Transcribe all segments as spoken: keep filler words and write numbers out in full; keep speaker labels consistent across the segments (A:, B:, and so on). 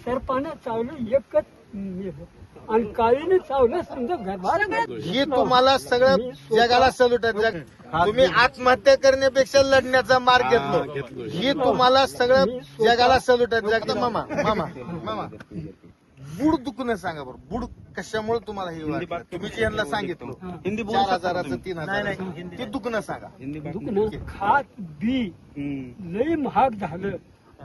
A: सरपानं चावलं एकच मेलं. आणि काळीने चावलं समजा घरभार.
B: ही तुम्हाला सगळं जगाला सल्यूट आहे. जग तुम्ही आत्महत्या करण्यापेक्षा लढण्याचा मार्ग घेतलो. ही तुम्हाला सगळं जगाला सल्यूट आहे. जगदा मामा मामा मामा बुड दुखणं सांगा बरं. बुड कशामुळे तुम्हाला हे वाटलं? तुम्ही जे यांना सांगितलं
C: हिंदी
B: चार हजाराचं तीन हजार ते दुखणं सांगा.
A: दुखणं खात बी लई महाग झालं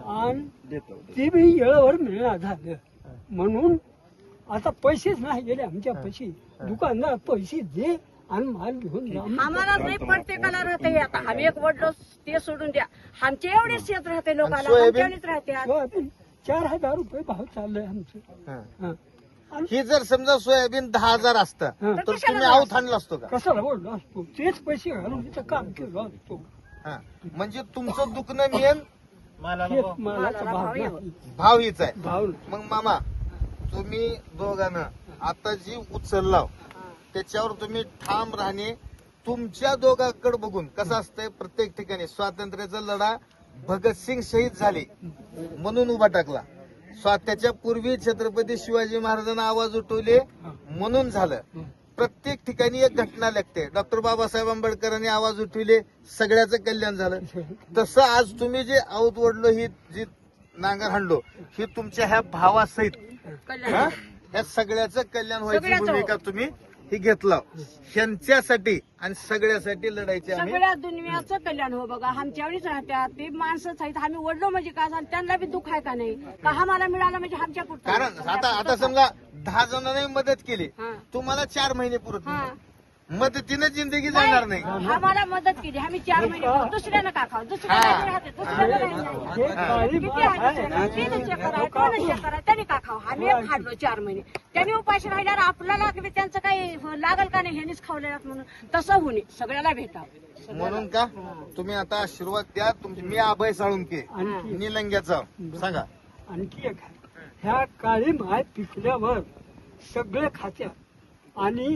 A: आणि ते बी येळावर मिळणार झालं. म्हणून आता पैसेच नाही गेले आमच्या पैसे. दुकानदार पैसे दे आणि माल घेऊन जा.
D: आम्हाला नाही प्रत्येकाला राहते. आता आम्ही एक वडलो ते सोडून द्या. आमचे एवढे शेत राहते लोकांना.
B: सोयाबीन?
D: आमच्यावरच राहते.
A: सोयाबीन चार हजार रुपये भाव चाललाय आमचं.
B: हा.
A: हा. आणि
B: ही जर समजा सोयाबीन दहा हजार असतं
A: हा.
B: तर तुम्ही आऊत आणला असतो का?
A: कशाला बोललो असतो? तेच पैसे घालून तिथं काम केलं असतो.
B: हा. म्हणजे तुमचं दुखणं मेन
A: हेच मालाचा भाव नाही.
B: भाव हीच आहे.
A: भाव
B: मग मामा तुम्ही दोघांना आता जी उचलला त्याच्यावर तुम्ही ठाम राहणे. तुमच्या दोघांकडे बघून कसं असतंय प्रत्येक ठिकाणी स्वातंत्र्याचा लढा भगतसिंग शहीद झाले म्हणून उभा टाकला. स्वात्याच्या पूर्वी छत्रपती शिवाजी महाराजांना आवाज उठवले म्हणून झालं. प्रत्येक ठिकाणी एक घटना लागते. डॉक्टर बाबासाहेब आंबेडकरांनी आवाज उठविले सगळ्याचं कल्याण झालं. तसं आज तुम्ही जे आऊत वडलो ही जी नांगर हाणलो ही तुमच्या ह्या भावासहित हा? ह्या सगळ्याचं कल्याण व्हायची
D: सगळ्याचं.
B: भूमिका तुम्ही ही घेतला. ह्यांच्यासाठी आणि सगळ्यासाठी लढायचे आम्ही.
D: सगळ्या दुनियाचं कल्याण हो बघा. आमच्यावरच राहत्यात ते माणसंच आहेत. आम्ही वडलो म्हणजे काय झालं त्यांना बी दुःख आहे का नाही का आम्हाला मिळालं म्हणजे आमच्या पुरतं.
B: कारण आता आता समजा दहा जणांनी मदत केली
D: हा.
B: तुम्हाला चार महिने पुरत
D: हा.
B: नाही. मदतीनं जिंदगी जाणार नाही.
D: आम्हाला मदत केली आम्ही चार महिने खाऊ. दुसऱ्यानं का खाऊ? दुसऱ्याला
B: हा.
D: बी राहते दुसऱ्याला नाही.
A: हे काळी
D: किती
A: माल
D: आहे?
A: आहे.
D: तीनच एकर आहे, दोनच एकर आहे. त्यांनी का खाऊ? आम्ही एक खाल्लो चार महिने. त्यांनी उपाशी राहिल्यावर आपल्याला किंवा त्यांचं काही लागल का नाही ह्यांनीच खावलेलं म्हणून तसं होणे सगळ्याला भेटावं.
B: म्हणून का तुम्ही आता आशीर्वाद द्या. तुमची मी अभय साळुंके
A: आणखी
B: निलंग्याचा सांगा.
A: आणखी एक आहे. ह्या काळी माय पिकल्यावर सगळे खात्यात आणि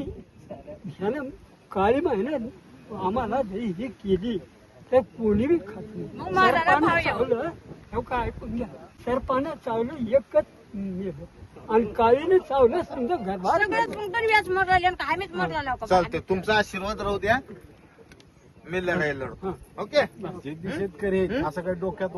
A: ह्यानं काळी मायनं आम्हाला जरी ही केली तर कोणी बी खात
D: मग
A: नाही.
D: मालाला
A: सरपानं
D: भाव यावा.
A: चावलं हे काय ऐकून घ्या. सरपानं चावलं एकच मेलं. आणि काळीने चावलं समजा घरभार.
D: सगळ्याच मग पण व्याज मर राहिले का आम्हीच मर राहिलो का?
B: चालते तुमचा आशीर्वाद राहू द्या. मी लढाई लढू.
A: हा.
B: ओके
C: शेतकरी असं काही डोक्यात